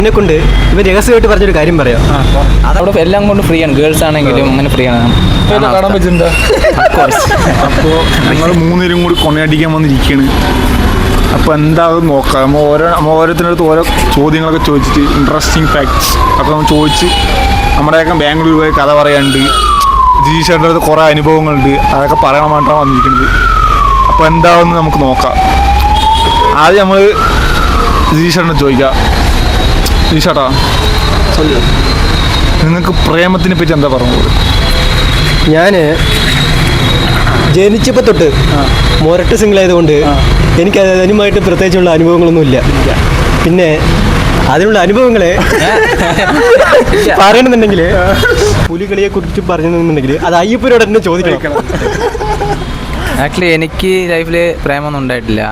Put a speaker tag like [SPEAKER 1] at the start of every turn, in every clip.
[SPEAKER 1] എന്നെ കൊണ്ട് ഇവൻ രഹസ്യമായിട്ട് പറഞ്ഞൊരു കാര്യം പറയാം.
[SPEAKER 2] അതവിടെ എല്ലാം കൊണ്ട് ഫ്രീ ആണ്, ഗേൾസ് ആണെങ്കിലും അങ്ങനെ ഫ്രീ ആണ്.
[SPEAKER 3] കാണാൻ പറ്റുന്നുണ്ടോ? അപ്പോൾ ഞങ്ങൾ മൂന്നുപേരും കൂടി കൊണയടിക്കാൻ വന്നിരിക്കുകയാണ്. അപ്പോൾ എന്താകും നോക്കാം. നമ്മൾ ഓരോരുത്തരടുത്ത് ഓരോ ചോദ്യങ്ങളൊക്കെ ചോദിച്ചിട്ട് ഇൻട്രസ്റ്റിംഗ് ഫാക്ട്സ് ഒക്കെ നമ്മൾ ചോദിച്ച് നമ്മുടെയൊക്കെ ബാംഗ്ലൂർ പോയി കഥ പറയാനുണ്ട്. ജിജീഷേട്ടൻ്റെ അടുത്ത് കുറേ അനുഭവങ്ങളുണ്ട്, അതൊക്കെ പറയാൻ വേണ്ടിയിട്ടാണ് വന്നിരിക്കുന്നത്. അപ്പോൾ എന്താകുമെന്ന് നമുക്ക് നോക്കാം. ആദ്യം നമ്മൾ ജിജീഷേട്ടനെ ചോദിക്കാം. ജിജീഷേട്ടാ, നിങ്ങൾക്ക് പ്രേമത്തിനെ പറ്റി എന്താ പറഞ്ഞത്?
[SPEAKER 1] ഞാൻ ജനിച്ചപ്പോൾ തൊട്ട് മൊരട്ട് സിംഗിളായതുകൊണ്ട് എനിക്ക് അതിനുമായിട്ട് പ്രത്യേകിച്ചുള്ള അനുഭവങ്ങളൊന്നുമില്ല. പിന്നെ അതിനുള്ള അനുഭവങ്ങളെ പറയണമെന്നുണ്ടെങ്കിൽ പുലികളിയെ കുറിച്ച് പറഞ്ഞെന്നുണ്ടെങ്കിൽ അത് അയ്യപ്പനോട് തന്നെ ചോദിക്കണം.
[SPEAKER 2] ആക്ച്വലി എനിക്ക് ലൈഫിൽ പ്രേമൊന്നും ഉണ്ടായിട്ടില്ല.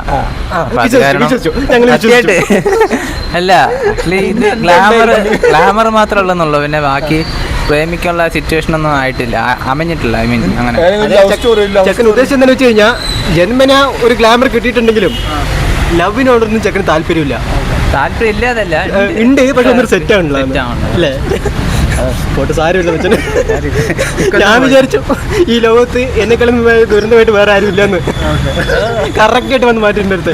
[SPEAKER 2] അല്ല, ആക്ച്വലി ഇത് ഗ്ലാമർ മാത്രമേ ഉള്ളെന്നുള്ളൂ. പിന്നെ ബാക്കി പ്രേമിക്കാനുള്ള സിറ്റുവേഷൻ ഒന്നും ആയിട്ടില്ല, അമഞ്ഞിട്ടില്ല. ഐ മീൻ അങ്ങനെ
[SPEAKER 1] ചെക്കൻ ഉദ്ദേശം എന്താണെന്ന് വെച്ച് കഴിഞ്ഞാൽ ജന്മന ഒരു ഗ്ലാമർ കിട്ടിയിട്ടുണ്ടെങ്കിലും ലവിനോടൊന്നും ചെക്കന് താല്പര്യമില്ല.
[SPEAKER 2] താല്പര്യം ഇല്ലാതല്ല,
[SPEAKER 1] ഉണ്ട്, പക്ഷെ ഒന്നൊരു സെറ്റ് ആവണല്ലോ അല്ലേ? പോട്ട് സാരമില്ല വെച്ചാൽ ഞാൻ വിചാരിച്ചു ഈ ലോകത്ത് എന്നെക്കാളും ദുരന്തമായിട്ട് വേറെ ആരും ഇല്ലെന്ന്. കറക്റ്റായിട്ട് വന്ന് മാറ്റിൻ്റെ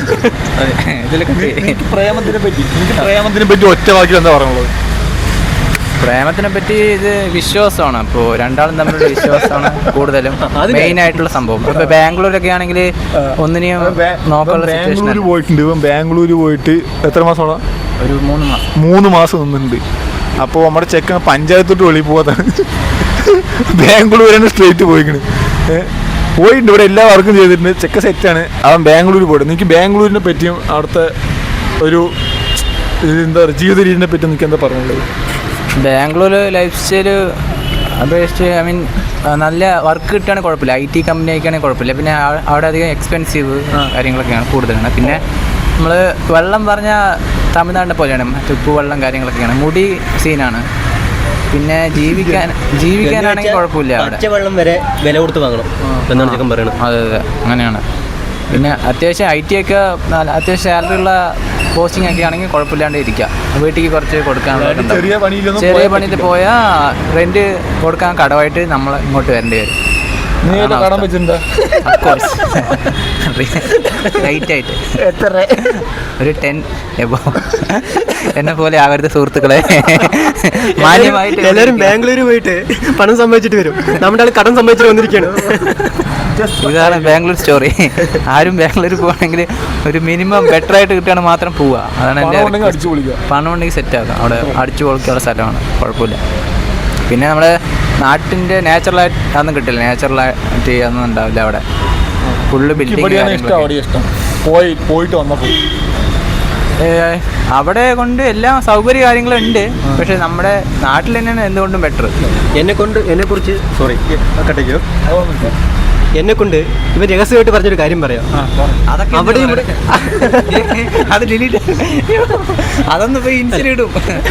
[SPEAKER 3] പ്രേമത്തിനെ പറ്റി ഒറ്റ വാക്കിൽ എന്താ പറയുള്ളത്?
[SPEAKER 2] പ്രേമത്തിനെ പറ്റി ഇത് വിശ്വാസമാണ്. അപ്പോൾ രണ്ടാളും തമ്മിലുള്ള വിശ്വാസമാണ് കൂടുതലും മെയിൻ ആയിട്ടുള്ള സംഭവം. ഇപ്പോൾ ബാംഗ്ലൂരൊക്കെ ആണെങ്കിൽ ഒന്നിനെയും നോക്കാനുള്ള സിറ്റുവേഷൻ.
[SPEAKER 3] പോയിട്ടുണ്ട്. ഇപ്പം ബാംഗ്ലൂർ പോയിട്ട് എത്ര മാസമാണ്?
[SPEAKER 2] ഒരു
[SPEAKER 3] 3 മാസം നിന്നിട്ടുണ്ട്. അപ്പോൾ നമ്മുടെ ചെക്കൻ പഞ്ചായത്തോട്ട് വെളിയിൽ പോകാതാണ്. ബാംഗ്ലൂരാണ് സ്ട്രേറ്റ് പോയിക്കണ്. പോയിട്ടുണ്ട്, ഇവിടെ എല്ലാ വർക്കും ചെയ്തിട്ടുണ്ട്. ചെക്ക സെറ്റാണ്. അവൻ ബാംഗ്ലൂർ പോയിട്ട്. എനിക്ക് ബാംഗ്ലൂരിനെ പറ്റിയും അവിടുത്തെ ഒരു എന്താ പറയുക ജീവിത രീതിനെ പറ്റി എനിക്ക് എന്താ പറയുള്ളത്?
[SPEAKER 2] ബാംഗ്ലൂർ ലൈഫ് സ്റ്റൈല് അപേക്ഷിച്ച് ഐ മീൻ നല്ല വർക്ക് കിട്ടുകയാണെങ്കിൽ കുഴപ്പമില്ല. IT കമ്പനി ആയിക്കാണെങ്കിൽ കുഴപ്പമില്ല. പിന്നെ അവിടെ അധികം എക്സ്പെൻസീവ് കാര്യങ്ങളൊക്കെയാണ് കൂടുതലാണ്. പിന്നെ നമ്മൾ വെള്ളം പറഞ്ഞാൽ തമിഴ്നാടിനെ പോലെയാണ്, ഉപ്പ് വെള്ളം കാര്യങ്ങളൊക്കെയാണ്. മുടി സീനാണ്. പിന്നെ ജീവിക്കാനാണെങ്കിൽ കുഴപ്പമില്ല. അവിടെ
[SPEAKER 1] വെള്ളം വരെ വില കൊടുത്ത് വാങ്ങണം എന്നാണ് ചെക്കൻ പറയണത്.
[SPEAKER 2] അതെ അങ്ങനെ. പിന്നെ അത്യാവശ്യം IT ഒക്കെ അത്യാവശ്യം സാലറി ഉള്ള പോസ്റ്റിംഗ് ഒക്കെ ആണെങ്കിൽ കുഴപ്പമില്ലാണ്ട് ഇരിക്കുക. വീട്ടിലേക്ക് കുറച്ച് കൊടുക്കാൻ ചെറിയ പണിയിൽ പോയാൽ റെൻറ്റ് കൊടുക്കാൻ കടമായിട്ട് നമ്മൾ ഇങ്ങോട്ട് വരേണ്ടി വരും. റൈറ്റ് ആയിട്ട് ഒരു 10 എബോ. എന്നെ പോലെ ആവരുത് സുഹൃത്തുക്കളെ. മാന്യമായിട്ട്
[SPEAKER 1] എല്ലാവരും ബാംഗ്ലൂർ പോയിട്ട് പണം സമ്പാദിച്ചിട്ട് വരും. നമ്മുടെ ആൾ കടം സമ്പാദിച്ചിട്ട് വന്നിരിക്കുകയാണ്.
[SPEAKER 2] ഇതാണ് ബാംഗ്ലൂർ സ്റ്റോറി. ആരും ബാംഗ്ലൂർ പോകണമെങ്കിൽ ഒരു മിനിമം ബെറ്റർ ആയിട്ട് കിട്ടുകയാണ് മാത്രം പോവുക. അതാണ് എൻ്റെ പണം ഉണ്ടെങ്കിൽ സെറ്റ് ആക്കാം. അവിടെ അടിച്ചു പൊളിക്കാനുള്ള സ്ഥലമാണ്, കുഴപ്പമില്ല. പിന്നെ നമ്മുടെ നാട്ടിൻ്റെ നാച്ചുറലായിട്ട് അതൊന്നും കിട്ടില്ല. നാച്ചുറലായിട്ട് അതൊന്നും ഉണ്ടാവില്ല അവിടെ. Full building. അവിടെ കൊണ്ട് എല്ലാ സൗകര്യ കാര്യങ്ങളും ഉണ്ട്. പക്ഷെ നമ്മുടെ നാട്ടിൽ തന്നെയാണ് എന്തുകൊണ്ടും ബെറ്റർ.
[SPEAKER 1] എന്നെ കൊണ്ട് ഇവൻ രഹസ്യമായിട്ട് പറഞ്ഞൊരു കാര്യം പറയാം. അവിടെ
[SPEAKER 2] അത് ഡിലീറ്റ്, അതൊന്നും പോയി ഇൻസിഡും.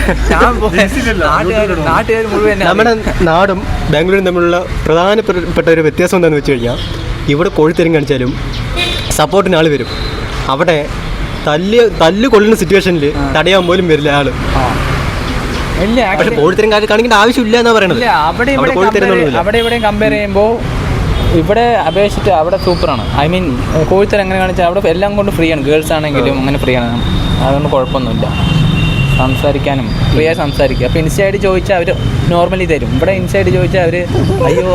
[SPEAKER 2] നാട്ടുകാർ മുഴുവൻ
[SPEAKER 1] നമ്മുടെ നാടും ബാംഗ്ലൂരും തമ്മിലുള്ള പ്രധാനപ്പെട്ട ഒരു വ്യത്യാസം എന്താണെന്ന് വെച്ച് കഴിഞ്ഞാൽ ഇവിടെ കോഴിത്തരം കാണിച്ചാലും സപ്പോർട്ടിന് ആൾ വരും. അവിടെ തല്ല് കൊള്ളുന്ന സിറ്റുവേഷനിൽ തടയാൻ പോലും വരില്ല ആള്. പക്ഷെ കോഴിത്തരം കാണിക്കേണ്ട ആവശ്യമില്ല എന്നാ പറയണത്.
[SPEAKER 2] അവിടെ ഇവിടെ കമ്പയർ ചെയ്യുമ്പോൾ ഇവിടെ അപേക്ഷിച്ചിട്ട് അവിടെ സൂപ്പറാണ്. ഐ മീൻ കോഴിത്തരം എങ്ങനെ കാണിച്ചാൽ അവിടെ എല്ലാം കൊണ്ട് ഫ്രീ ആണ്. ഗേൾസ് ആണെങ്കിലും അങ്ങനെ ഫ്രീ ആണ്. അതുകൊണ്ട് കുഴപ്പമൊന്നുമില്ല. സംസാരിക്കാനും ഫ്രീ ആയി സംസാരിക്കുക. അപ്പോൾ ഇൻസൈഡ് ചോദിച്ചാൽ അവർ നോർമലി തരും. ഇവിടെ ഇൻസൈഡ് ചോദിച്ചാൽ അവർ അയ്യോ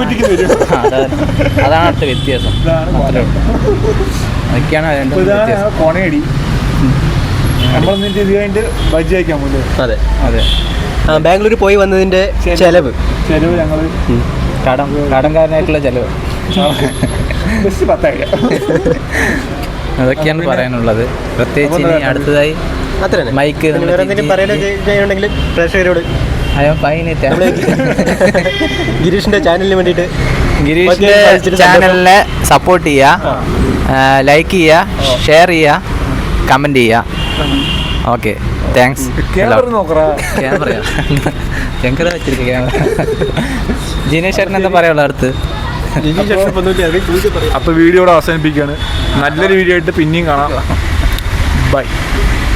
[SPEAKER 2] അതാണ് അടുത്ത വ്യത്യാസം. അതൊക്കെയാണ്
[SPEAKER 1] അതെ. ബാംഗ്ലൂർ പോയി വന്നതിൻ്റെ ചെലവ്
[SPEAKER 3] ഞങ്ങൾ
[SPEAKER 2] കടംകാരനായിട്ടുള്ള ചെലവ് അതൊക്കെയാണ് പറയാനുള്ളത്. പ്രത്യേകിച്ച് ഇനി അടുത്തതായി മൈക്ക്
[SPEAKER 1] ഗിരീഷിന്റെ ചാനലിന് വേണ്ടിയിട്ട്
[SPEAKER 2] ഗിരീഷിന്റെ ചാനലിനെ സപ്പോർട്ട് ചെയ്യുക, ലൈക്ക് ചെയ്യുക, ഷെയർ ചെയ്യുക, കമൻറ്റ് ചെയ്യുക. Okay, thanks. ക്യാമറ വെച്ചിരിക്കുക. ക്യാമറ ജിനേഷ് ചേട്ടൻ എന്താ പറയാനുള്ളത് അടുത്ത്?
[SPEAKER 3] അപ്പോൾ വീഡിയോ ഇവിടെ അവസാനിപ്പിക്കുകയാണ്. നല്ലൊരു വീഡിയോ ആയിട്ട് പിന്നെയും കാണാം. ബൈ.